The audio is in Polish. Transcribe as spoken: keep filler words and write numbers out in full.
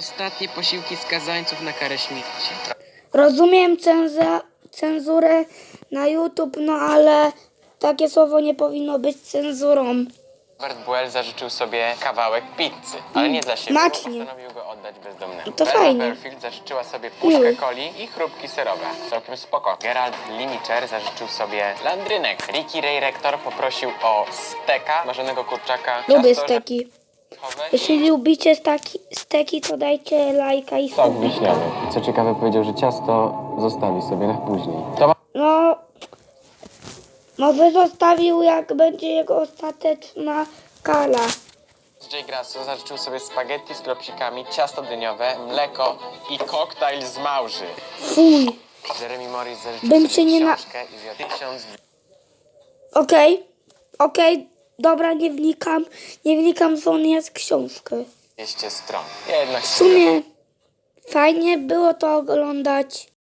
Ostatnie posiłki skazańców na karę śmierci. Rozumiem cenza, cenzurę na YouTube, no ale takie słowo nie powinno być cenzurą. Robert Buell zażyczył sobie kawałek pizzy, ale nie dla siebie, smacznie. bo postanowił go oddać bezdomnemu. To Bella fajnie. Fairfield zażyczyła sobie puszkę Miły. coli i chrupki serowe. Całkiem spoko. Gerald Linicher zażyczył sobie landrynek. Ricky Ray Rector poprosił o steka, marzonego kurczaka, Lubię ciasto steki. orzechowe Jeśli lubicie staki, steki, to dajcie lajka i sok subika. wiśniowy. I co ciekawe powiedział, że ciasto zostawi sobie na później. To No, może zostawił, jak będzie jego ostateczna kala. Jay Grasso zażyczył sobie spaghetti z kropsikami, ciasto dyniowe, mleko i koktajl z małży. Fuj. Jeremy Morris zażyczył Bym sobie się nie na- książkę i zjadł tysiąc Okej, okej, dobra, nie wnikam, nie wnikam, co on jest książkę. dwieście stron. Jednak W sumie fajnie było to oglądać.